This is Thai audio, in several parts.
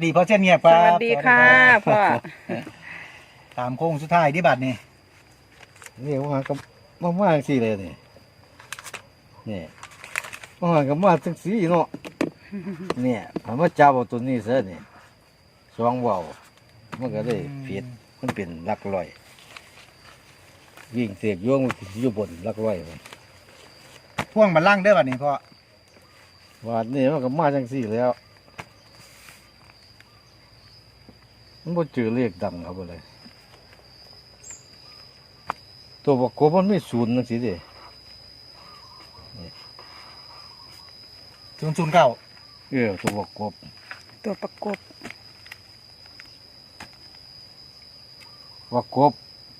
ดีพ่อเช่นเงียบคสรับวัสดีค่ะพ่อตามโค้งสุดท้ายที่บัตรนี่นี่ว่ากับมาสิเลยนี่ว่ากับมาจังสีเนาะเนี่ยผมมาจับเอาตัวนี้ซะนี่สองเบามันก็ได้ผิดมันเป็นหลักร้อยวิ่งเสียบโยงอยู่บนหลักร้อยพ่วงบัลลังก์เด้อบัตรนี่พ่อว่านี่มันก็มาจังสีแล้ว มันบ่เจอเลขดังครับเลยตัวประกบมันไม่ศูนย์จังสิเด้ 009 ตัวประกบตัวประกบประกบ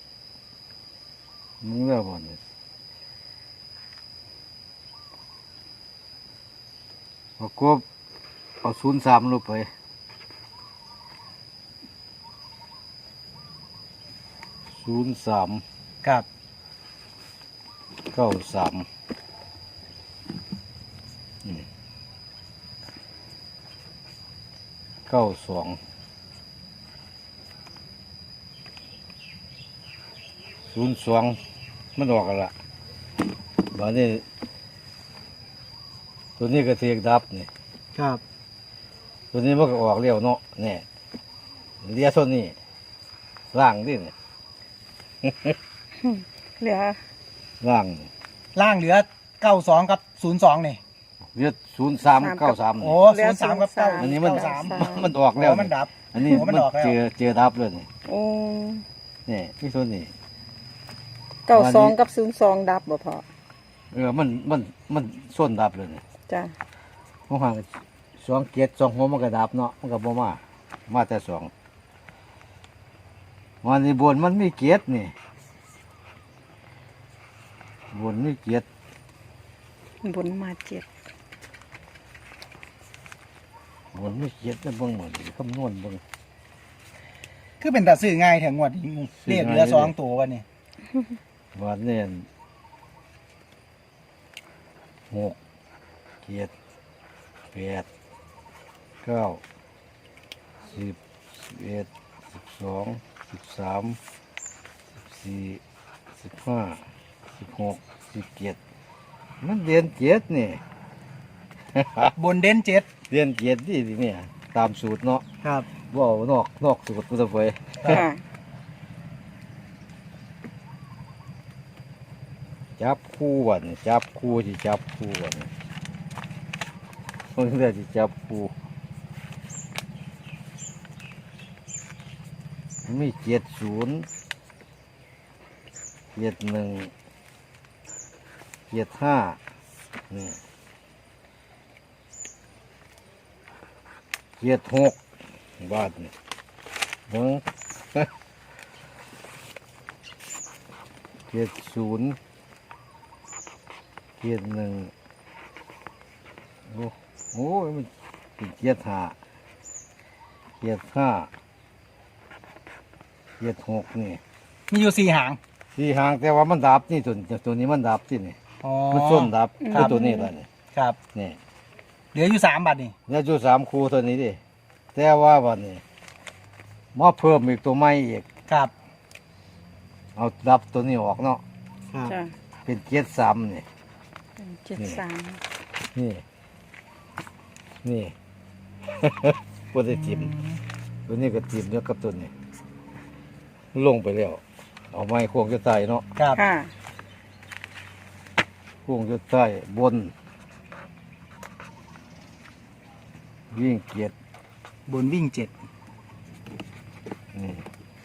มึงเลิกบ่เนี่ยประกบเอา03ลงไป03 ครับ 9392 02มันออกกันละบัดนี้ตัวนี้ก็เทียกดับนี่ครับตัวนี้มันก็ออกเร็วเนาะเนี่ยเลียส่วนนี้ล่างดิเนี่ยเหลือล่างล่างเหลือ92กับ02นี่เลีย0393 โอ้03กับ9 อันนี้มัน 93 มันออกแล้วมันดับอันนี้โอ้มันออกแล้วเจอดับเลยนี่โอ้นี่ที่ส่วนนี้ 92กับ02ดับบ่พ่อมันส้นดับเลยนี่จ้ะเพราะว่า2 หัวมันก็ดับเนาะมันก็บ่มาแต่2วันนี้บนมันมีเกียรตินี่บนมีเกียรติบนมา7 บนมีเกียรตินะเบิ่งหมดคำนวณเบิ่งคือเป็นตัดซื้อง่ายแถงงวดนี้ซื้เรีอยกง่ายเหลือ2ตัววันนี้วันนี้6 7 8 9 10 11 12 13 14 15 16 17มันเดือน7นี่บนเด่น7 เดือน7นี่สิเนี่ยตามสูตรเนาะครับบ่เอานอกสูตรพุทธไฟค่ะจับคู่วันจับคู่ที่จับคู่วันคนเดียวที่จับคู่มี70 71 75นี่76บาทนี่เบิ่ง 70 71โอ้ยมันเป็น75 76นี่มีอยู่4หางสี่หางแต่ว่ามันดับนี่ตัวนี้มันดับที่นี่อ๋อมันส้นดับครับตัวนี้แหละนี่ครับนี่เหลืออยู่3บัตรนี่แล้วจุด3คู่ตัวนี้ดิแต่ว่าวันนี้มาเพิ่มอีกตัวใหม่อีกครับเอาดับตัวนี้ออกเนาะครับจ้ะเป็น73นี่ 73 นี่นี่ ปวดจิ้มตัวนี้ก็จิ้มแล้วกับตัวนี้ลงไปแล้ว เอาไม้โค้งจะใต้เนาะครับค่ะโค้งจะใต้บน วิ่งเกียรติบนวิ่ง7 นี่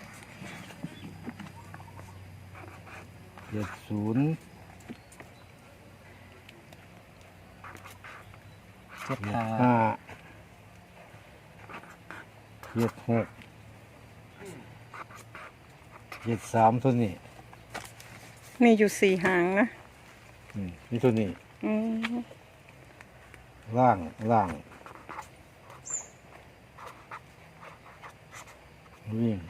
70 7 5 76 73ตัวนี้มีอยู่4หางนะนี่ตัวนี้อืมล่างวิ่ง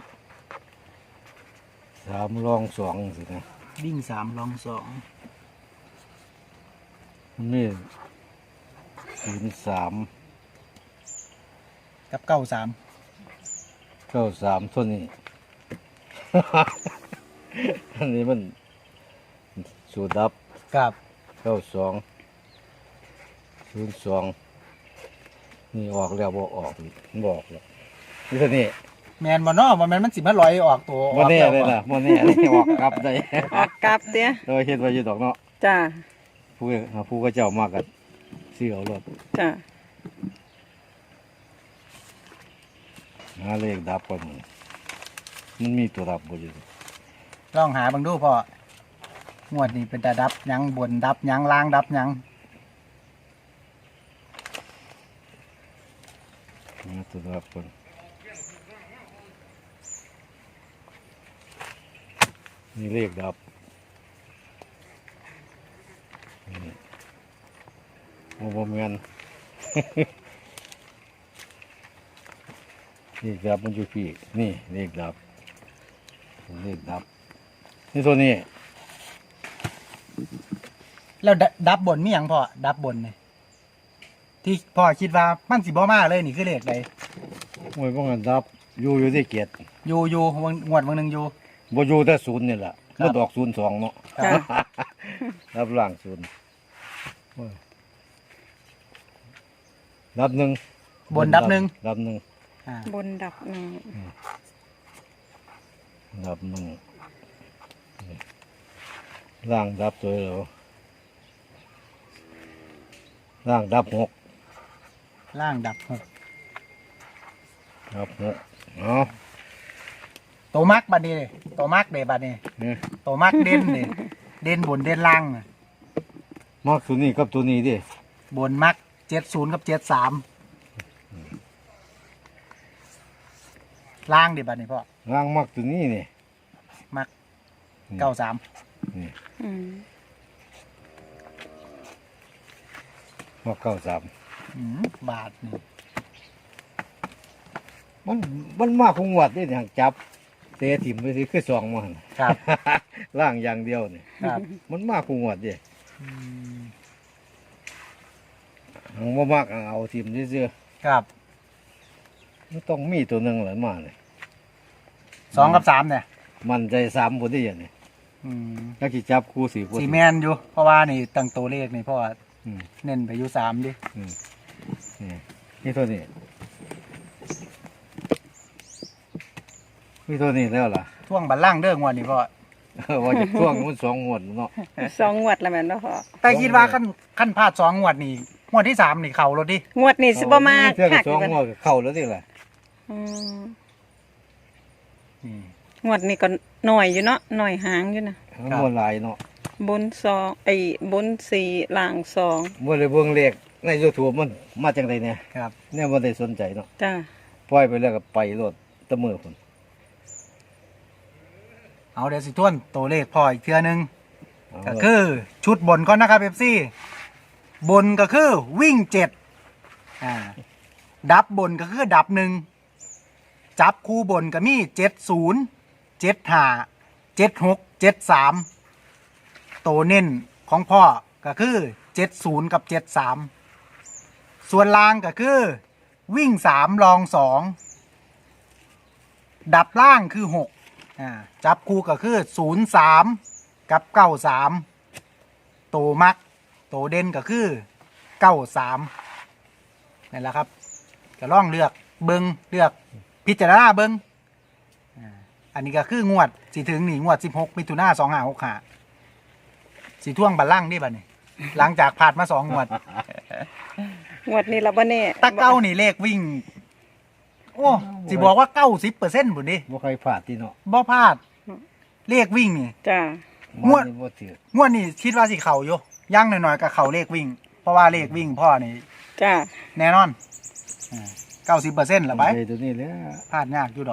3รอง2สินะวิ่ง3ลอง2 นี่03 กับเก้าสาม 93ตัวนี้ อันนี้มันสูตรดับกับ 92 02นี่ออกแล้วบ่ออกอีกบอกแล้วนี่ตัวนี้แมนบ่เนาะบ่แมนมันสิมาลอยออกตัวบ่แน่ออกเลยแล้วล่ะบ่แน่เลยออกกลับได้ออกกลับเตี้ยโดยเฮ็ดไว้อยู่ดอกเนาะจ้าผู้ก็เจ้ามากกันซื้อเอารถจ้าหาเลขดับก่อนมันมีตัวดับบ่อยู่ลองหาเบังดูพ่องวดนี้เป็นตาดับหยังบนดับหยังล่างดับหยังหาตัวดับก่อนนี่เลขดับนี่บ่แม่น เลขดับมันอยู่พี่นี่เลขดับเลขดับนี่ตัวนี้แล้วดับบนมีหยังพ่อดับบนนี่ที่พ่อคิดว่ามันสิบ่มาเลยนี่คือเลขใดโอ้ยบ่งั้นดับอยู่ที่เกียรติอยู่งวดวันหนึงอยู่บ่อยู่แต่ศูนย์นี่แหละครับบ่ดอก02เนาะจ้ารับล่างศูนย์โอ้ยดับหนึ่งบนดับหนึ่งดับหนึ่งอ่าบนดับหนึ่งดับหนึ่งนี่ล่างดับตัวแล้วล่างดับหกล่างดับหกดับหกเนาะตัวมักบัดนี้เลยตัวมักเด้บัดนี้นี่ตัวมักเด่นเด้เด่นบนเด่นล่างน่ะมักตัวนี้กับตัวนี้ดิบนมัก70กับ73ล่างเด้บัดนี้พ่อล่างมักตัวนี้นี่มักอืม 93 นี่อืมมัก93 บาทนี่มันมากคงวัดได้อย่างจับเตะถิ่มไปสิคือสองมันครับล่างอย่างเดียวนี่ครับมันมากคงวัดดิอืมมันบ่มากเอาถิ่มซื่อครับๆมันต้องมีตัวหนึงแหละมาเนี่ย 2กับ3เนี่ยมันใจ3คนที่อย่างนี้อืมแล้วกี่จับคู่4คนสีแมนอยู่ เพราะว่านี่ตั้งตัวเลขนี่พ่ออืมเน้นไปอยู่3ดิอืมนี่ตัวนี้นี่ตัวนี้แล้วล่ะช่วงบัลลังก์เด้องวดนี่พ่อว่าจะช่วงมัน2งวดเนาะสองงวดแล้วแม่นบ่พอแต่คิดว่าขั้นพลาด2งวดนี่งวดที่3นี่เข่ารถดิงวดนี้สิบ่มาเทื่อคักับกอยู่ 2 กันงวดก็เข้าแล้วนี่ล่ะอืมนี่งวดนี้ก็หน่อยอยู่เนาะหน่อยหางอยู่นะมันบ่หลายเนาะบนสองบนสี่ล่างสองบ่ได้เบิ่งเลขใน YouTube มันมาจังไดเนี่ยครับเนี่ยบ่ได้สนใจเนาะจ้าปล่อยไปแล้วก็ไปโลดแตะมือพุ่นเอาเดี๋ยวสิทวนตัวเลขพ่ออีกเทื่อนึงเอาก็คือชุดบนก่อนนะครับเอฟซีบนก็คือวิ่ง7ดับบนก็คือดับ1จับคู่บนก็มี70 75 76 73ตัวเน้นของพ่อก็คือ70กับ73ส่วนล่างก็คือวิ่ง3รอง2ดับล่างคือ6จับคู่ก็คือ03กับ93ตัวมักตัวเด่นก็คือ93นั่นแหละครับก็ล่องเลือกเบิงเลือกพิจารณาเบิงอันนี้ก็คืองวดสิถึงนี่งวด16มิถุนายน2565สิท่วงบัลลังก์นี่บัดนี้ หลังจากผ่านมา2งวดงวดนี้เราบ่แน่ตะเก้านี่เลขวิ่ง โอ้สิบอกว่า90%บุญดิบ่เคยพลาดที่เนาะบ่พลาดเลขวิ่งนี่จ้างวดนี่บ่ถืองวดนี้คิดว่าสิเข่าอยู่ย่างหน่อยๆกับเข่าเลขวิ่ง เพราะว่าเลขวิ่งพ่อนี่จ้าแน่นอน90%ละไปใจตัวนี้แหล้วพลาดยากอยู่ดอก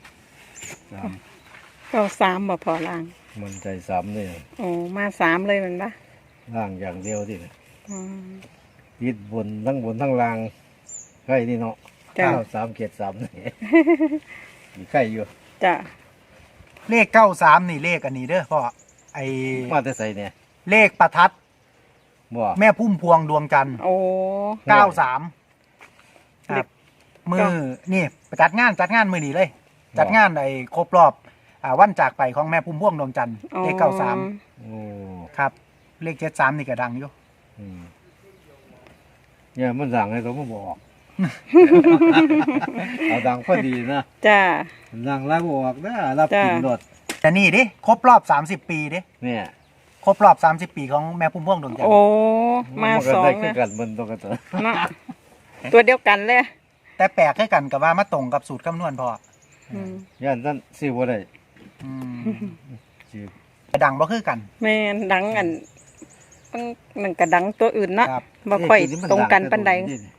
เก้าสามบ่พอล่างมันใจ3นี่โอ้มาสามเลยแมันปะล่างอย่างเดียวที่น่ะอืมยึดบนทั้งล่างใกล้นี่เนาะจ้า 3เกียรติ3นี่ มีใกล้อยู่จ้าเลข93นี่เลขอันนี้เด้อพ่อไอมาแต่ใส่เนี่ยเลขประทัดบ่แม่พุ่มพวงดวงจันทร์โอ้ 93ครับมือนี่ไปจัดงานมือดีเลย จัดงานไอ้ครบรอบวันจากไปของแม่พุ่มพวงดวงจันทร์เลข93 โอ้ครับ เลข73นี่ก็ดังอยู่อืมเนี่ยมันดังให้ตัวมาบอก เอาดังพอดีนะจ้าดังแล้วบอกนะรับกินจ้ะรถแต่นี่ดิครบรอบ30 ปีดิเนี่ยครบรอบ30 ปีของแม่พุ่มพวงดวงจันทโอ้ร์มาก็สองได้คือนะกันมันตรงกันตัวเนาะตัวเดียวกันเลยแต่แปลกให้กันกับว่ามาตรงกับสูตรคำนวณพออืมย่านนั้นสิบ่ได้อืมสิแต่ดังบ่คือกันแม่นดังอันมันก็ดังตัวอื่นเนาะครับบ่ค่อยเะมัตรงกันปานใด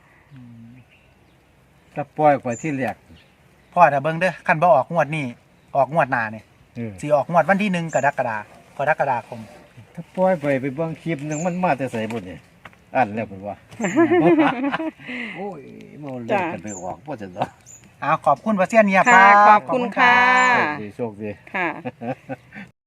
ถ้าปล่อยไปที่แรกพ่อถ้าเบิ่งเด้อคันบ่ออกงวดนี้ออกงวดหน้าเนี่ยเออสิออกงวดวันที่1กรกฎาคมถ้าปล่อยไปเบิ่งคลิปหนึงมันมาแต่ใส่บุญนี่อันแล้วผมว่า โอ้ยมาเล่นกันไปออกบ่จังเนาะขอบคุณพระเซียนเนียบคค่ะรับขอบคุณค่ะโชคดีค่ะ